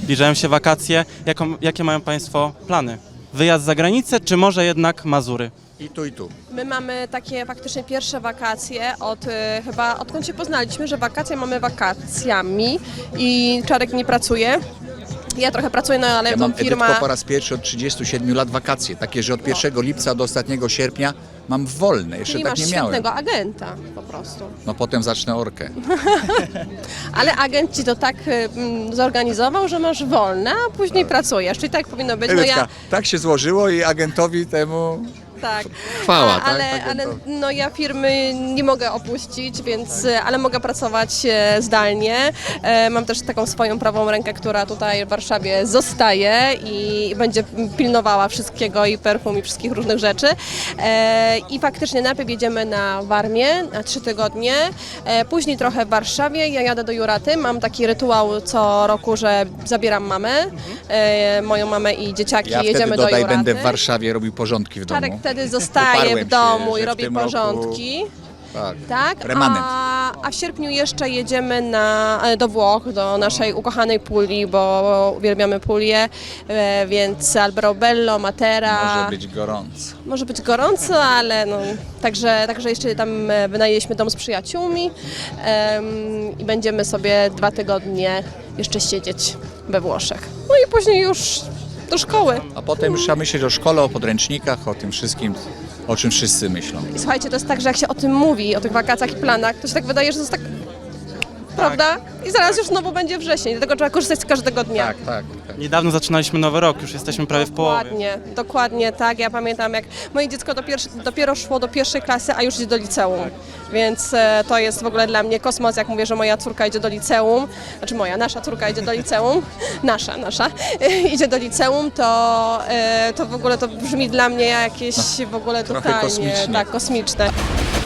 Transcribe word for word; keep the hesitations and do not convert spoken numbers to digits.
zbliżają się wakacje. Jaką, jakie mają Państwo plany? Wyjazd za granicę, czy może jednak Mazury? I tu, i tu. My mamy takie faktycznie pierwsze wakacje od y, chyba odkąd się poznaliśmy, że wakacje mamy wakacjami i Czarek nie pracuje. Ja trochę pracuję, no ale Ja to mam firma... Edytko po raz pierwszy od trzydziestu siedmiu lat wakacje, takie, że od pierwszego lipca do ostatniego sierpnia mam wolne, jeszcze Czyli tak masz nie miałem. świetnego agenta po prostu. No potem zacznę orkę. Ale agent ci to tak y, mm, zorganizował, że masz wolne, a później pracujesz. Czyli tak powinno być. No Edytka, ja, tak się złożyło i agentowi temu tak. chwała, A, tak? ale, ale Agentowi. no ja firmy nie mogę opuścić, więc, ale mogę pracować e, zdalnie. E, mam też taką swoją prawą rękę, która tutaj w Warszawie zostaje i będzie pilnowała wszystkiego i perfum i wszystkich różnych rzeczy. E, I faktycznie najpierw jedziemy na Warmię na trzy tygodnie, e, później trochę w Warszawie. Ja jadę do Juraty, mam taki rytuał co roku, że zabieram mamę, e, moją mamę i dzieciaki, Ja jedziemy wtedy do dodaj, Juraty. będę w Warszawie robił porządki w domu. Czarek wtedy zostaje Uparłem w się, domu że i w robi tym roku- porządki. Tak. Tak, Remanent. a, a w sierpniu jeszcze jedziemy na, do Włoch, do naszej ukochanej Puli, bo uwielbiamy Pulię, e, więc Alberobello, Matera. Może być gorąco. Może być gorąco, ale no, także, także jeszcze tam e, wynajęliśmy dom z przyjaciółmi em, i będziemy sobie dwa tygodnie jeszcze siedzieć we Włoszech. No i później już do szkoły. A potem już trzeba myśleć o szkole, o podręcznikach, o tym wszystkim, o czym wszyscy myślą. I słuchajcie, to jest tak, że jak się o tym mówi, o tych wakacjach i planach, to się tak wydaje, że to jest tak, prawda? I zaraz już znowu będzie wrzesień, dlatego trzeba korzystać z każdego dnia. Tak, tak. tak. Niedawno zaczynaliśmy nowy rok, już jesteśmy prawie w połowie. Dokładnie, dokładnie tak. Ja pamiętam, jak moje dziecko do pierwszy, dopiero szło do pierwszej klasy, a już idzie do liceum. Więc e, to jest w ogóle dla mnie kosmos, jak mówię, że moja córka idzie do liceum, znaczy moja, nasza córka idzie do liceum, nasza, nasza, idzie do liceum, to, e, to w ogóle to brzmi dla mnie jakieś w ogóle trochę totalnie kosmicznie. tak, kosmiczne.